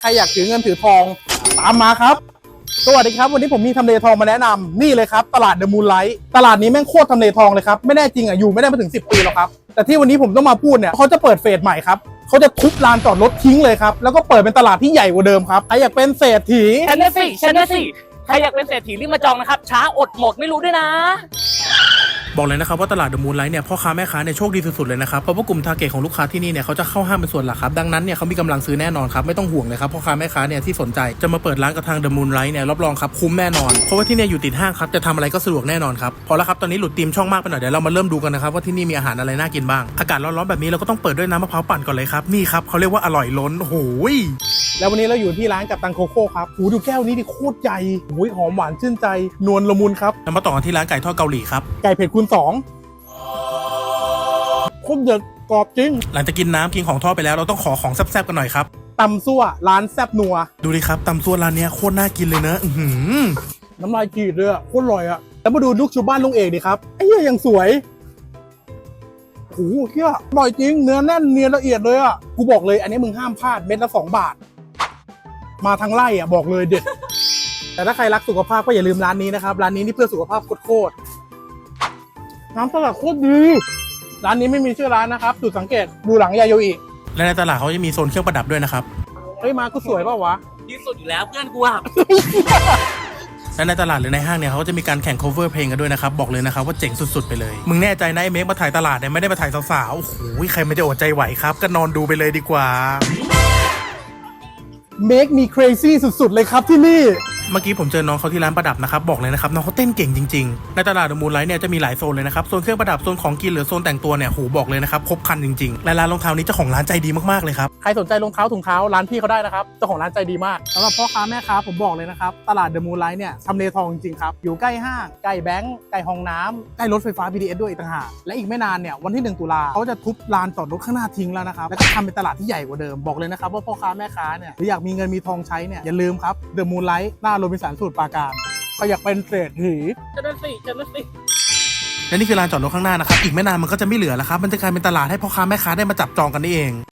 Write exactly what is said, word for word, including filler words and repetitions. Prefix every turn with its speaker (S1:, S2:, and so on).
S1: ใครอยากถือเงินถือทองตามมาครับสวัสดีครับวันนี้ผมมีทำเลทองมาแนะนำนี่เลยครับตลาดเดอะมูนไลท์ตลาดนี้แม่งโคตรทำเลทองเลยครับไม่แน่จริงอ่ะอยู่ไม่ได้มาถึงสิบปีหรอกครับแต่ที่วันนี้ผมต้องมาพูดเนี่ยเขาจะเปิดเฟสใหม่ครับเขาจะทุบลานจอดรถทิ้งเลยครับแล้วก็เปิดเป็นตลาดที่ใหญ่กว่าเดิมครับใครอยากเป็นเศรษฐี
S2: ฉันนะสิฉันนะสิใครอยากเป็นเศรษฐีรีบมาจองนะครับช้าอดหมดไม่รู้ด้วยนะ
S3: บอกเลยนะครับว่าตลาดเดอะมูนไลท์เนี่ยพ่อค้าแม่ค้าเนี่ยโชคดีสุดๆเลยนะครับเพราะว่ากลุ่มทาร์เก็ตของลูกค้าที่นี่เนี่ยเขาจะเข้าห้างเป็นส่วนหลักครับดังนั้นเนี่ยเขามีกำลังซื้อแน่นอนครับไม่ต้องห่วงเลยครับพ่อค้าแม่ค้าเนี่ยที่สนใจจะมาเปิดร้านกับทางเดอะมูนไลท์เนี่ยรับรองครับคุ้มแน่นอนเพราะว่าที่เนี่ยอยู่ติดห้างครับจะทำอะไรก็สะดวกแน่นอนครับพอแล้วครับตอนนี้หลุดธีมช่องมากไปหน่อยเดี๋ยวเรามาเริ่มดูกันนะครับว่าที่นี่มีอาหารอะไรน่ากินบ้างอากาศร้อนๆแบบนี้เราก็ต้องเปิดด้วยน้ำมะพร้าวปั่นก่อนเลยครับนี่ครับเขาเรียกว่าอร่อยล้นโอ้ย
S1: แล้ววันนี้เราอยู่ที่ร้านกับตังโคโค่ครับหูดูแก้วนี้ดิโคตรใหญ่หูยหอมหวานชื่นใจนวลละมุนครับ
S3: แล้วมาต่อกันที่ร้านไก่ทอดเกาหลีครับ
S1: ไก่เผ็ดคูณสองโคตรเด็ดกรอบจริง
S3: หลังจากกินน้ำกินของทอดไปแล้วเราต้องขอของแซ่บๆกันหน่อยครับ
S1: ตำซั่วร้านแซ่บนัว
S3: ดูดิครับตำซั่วร้านนี้โคตรน่ากินเลยเนอะอื้อหือ
S1: น้ำลายกรีดเลยอ่ะโคตรอร่อยอ่ะแล้วมาดูลูกชูบ้านลุงเอกดิครับไอ้เหี้ยยังสวยโอ้โหเหี้ยอร่อยจริงเนื้อแน่นเนียนละเอียดเลยอ่ะกูบอกเลยอันนี้มึงห้ามพลาดเม็ดละสองบาทมาทางไร่อ่ะบอกเลยเด็ดแต่ถ้าใครรักสุขภาพก็อย่าลืมร้านนี้นะครับร้านนี้นี่เพื่อสุขภาพโคตรน้ำสลัดโคตรดีร้านนี้ไม่มีชื่อร้านนะครับจุดสังเกตดูหลังยาโยอิ
S3: และในตลาดเขาจะมีโซนเครื่องประดับด้วยนะครับ
S1: เฮ้ยมาก็สวยเปล่าวะ
S2: ที่สุดอยู่แล้วเพื่อนกูอะ
S3: และในตลาดหรือในห้างเนี่ยเขาจะมีการแข่ง cover เพลงกันด้วยนะครับบอกเลยนะครับว่าเจ๋งสุดๆไปเลยมึงแน่ใจนะไอ้เมฆมาถ่ายตลาดเนี่ยไม่ได้มาถ่ายสาวๆโอ้โหใครไม่จะอดใจไหวครับก็นอนดูไปเลยดีกว่า
S1: เมคมี crazy สุดๆเลยครับที่นี่
S3: เมื่อกี้ผมเจอน้องเขาที่ร้านประดับนะครับบอกเลยนะครับน้องเขาเต้นเก่งจริงๆในตลาดเดอะมูนไลท์เนี่ยจะมีหลายโซนเลยนะครับโซนเครื่องประดับโซนของกินหรือโซนแต่งตัวเนี่ยโหบอกเลยนะครับครบครันจริงๆและร้านรองเท้านี้เจ้าของร้านใจดีมากๆเลยครับ
S1: ใครสนใจรองเท้าถุงเท้าร้านพี่เขาได้นะครับเจ้าของร้านใจดีมากสำหรับพ่อค้าแม่ค้าผมบอกเลยนะครับตลาดเดอะมูนไลท์เนี่ยทำเลทองจริงๆครับอยู่ใกล้ห้างใกล้แบงก์ใกล้ห้องน้ำใกล้รถไฟฟ้า บี ที เอส ด้วยอีกต่างหากและอีกไม่นานเนี่ยวันที่หนึ่งตุลาเขาจะทุบลานจอดรถข้างหน้าทิ้งแล้วนะครับแล้วก็ทำเป็นตลาดที่ใหญ่กว่าเดิมบอกเลยนะครับว่าพ่อค้าแม่ค้าเนี่ยหรืออยากมีเงินมีทองใช้เนี่ยอย่าลืมครับเดอะมูนไลท์หน้าโรบินสันสมุทรปราการเขาอยากเป็นเศรษฐี
S2: ฉันนะสิฉันนะสิ
S3: และนี่คือลานจอดรถข้างหน้านะครับอีกไม่นานมันก็จะไม่เหลือแล้วครับมันจะกลายเป็นตลาดให้พ่อค้าแม่ค้าได้มาจับจองกันนี่เอง